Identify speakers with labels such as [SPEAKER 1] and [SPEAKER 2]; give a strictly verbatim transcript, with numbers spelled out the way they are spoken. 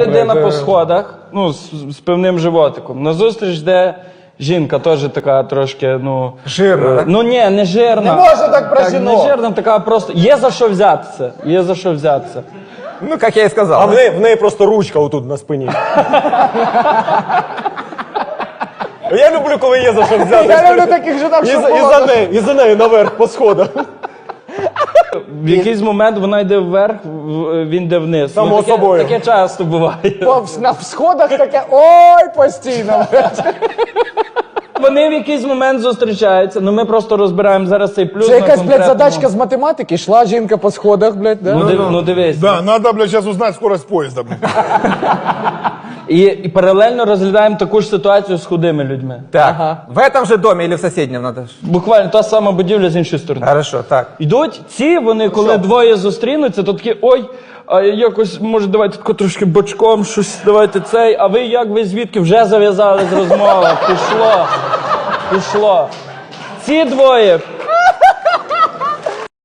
[SPEAKER 1] людина по сходах, ну, з, з певним животиком. Назустріч йде жінка, теж така трошки, ну...
[SPEAKER 2] Жирна,
[SPEAKER 1] е,
[SPEAKER 2] так?
[SPEAKER 1] Ну ні, не жирна.
[SPEAKER 3] Не можна так про
[SPEAKER 1] Не
[SPEAKER 3] жінок.
[SPEAKER 1] жирна, така просто... Є за що взятися. Є за що взятися.
[SPEAKER 2] Ну, як я і сказав.
[SPEAKER 4] А в неї, в неї просто ручка отут на спині. Я люблю, коли є за що взяти.
[SPEAKER 3] Я люблю таких жінок,
[SPEAKER 4] І
[SPEAKER 3] що
[SPEAKER 4] за, і
[SPEAKER 3] було.
[SPEAKER 4] за нею, і за нею наверх по сходах.
[SPEAKER 1] В якийсь момент вона йде вверх, в- він йде вниз.
[SPEAKER 4] Само
[SPEAKER 1] ну, таке,
[SPEAKER 4] собою.
[SPEAKER 1] таке часто буває.
[SPEAKER 3] По- На сходах таке, ой, постійно.
[SPEAKER 1] Вони в якийсь момент зустрічаються, ну ми просто розбираємо зараз цей плюс
[SPEAKER 3] Це
[SPEAKER 1] на
[SPEAKER 3] якась, блядь,
[SPEAKER 1] конкретному-
[SPEAKER 3] задачка з математики, йшла жінка по сходах, блядь, да?
[SPEAKER 1] Ну, див, ну дивись.
[SPEAKER 5] Да, надо, блядь, сейчас узнать скорость поезда, блядь.
[SPEAKER 1] І, і паралельно розглядаємо таку ж ситуацію з худими людьми.
[SPEAKER 2] Так. В этом же домі или в сусідньому надо ж?
[SPEAKER 1] Буквально та сама будівля з іншої сторони.
[SPEAKER 2] Хорошо, так.
[SPEAKER 1] Йдуть ці, вони коли двоє зустрінуться, то такі, ой, а якось, може, давайте тако трошки бочком, щось, давайте цей, а ви як, ви звідки? Вже зав'язали з розмови, пішло, пішло. Ці двоє